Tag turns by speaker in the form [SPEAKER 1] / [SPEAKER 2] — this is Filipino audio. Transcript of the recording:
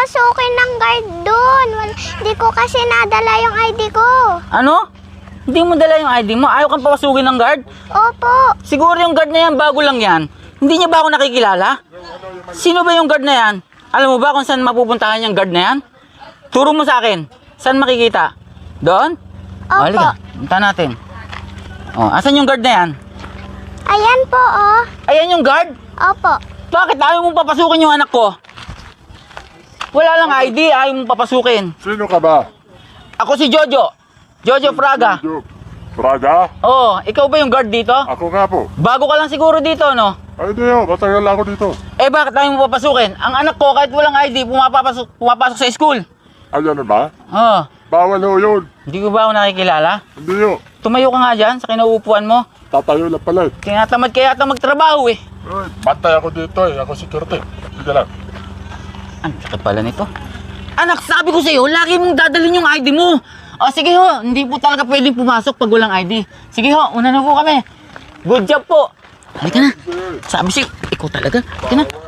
[SPEAKER 1] papasukin ng guard doon. Hindi ko kasi nadala yung ID ko.
[SPEAKER 2] Ano? Hindi mo dala yung ID mo? Ayaw kang papasukin ng guard?
[SPEAKER 1] Opo.
[SPEAKER 2] Siguro yung guard na yan, bago lang yan. Hindi niya ba ako nakikilala? Sino ba yung guard na yan? Alam mo ba kung saan mapupuntahan yung guard na yan? Turo mo sa akin. Saan makikita? Doon?
[SPEAKER 1] Opo.
[SPEAKER 2] Halika, punta natin. Oh, asan yung guard na yan?
[SPEAKER 1] Ayan po, oh.
[SPEAKER 2] Ayan yung guard?
[SPEAKER 1] Opo.
[SPEAKER 2] Bakit ayaw mong papasukin yung anak ko? Wala lang ID, ayaw mong papasukin.
[SPEAKER 3] Sino ka ba?
[SPEAKER 2] Ako si Jojo. Jojo Fraga.
[SPEAKER 3] Braga?
[SPEAKER 2] Oo, ikaw ba yung guard dito?
[SPEAKER 3] Ako nga po.
[SPEAKER 2] Bago ka lang siguro dito, no?
[SPEAKER 3] Ay, hindi ho. Matagal ako dito.
[SPEAKER 2] Eh bakit ayaw mo papasukin? Ang anak ko kahit walang ID, pumapasok sa school.
[SPEAKER 3] Ay, ano ba?
[SPEAKER 2] Oo.
[SPEAKER 3] Bawal ho yun.
[SPEAKER 2] Hindi ko ba ako nakikilala?
[SPEAKER 3] Hindi ho.
[SPEAKER 2] Tumayo ka nga dyan sa kinauupuan mo.
[SPEAKER 3] Tatayo lang pala eh.
[SPEAKER 2] Tinatamad kaya ata magtrabaho eh.
[SPEAKER 3] Ay, bantay ako dito eh. Ako security. Sige lang.
[SPEAKER 2] Ang sakit pala nito. Anak, sabi ko sa'yo, lagi mong dadalhin yung ID mo. O sige ho, hindi po talaga pwedeng pumasok pag walang ID. Sige ho, una na po kami. Good job po. Halika na. Sabi sa'yo, ikaw talaga. Halika na.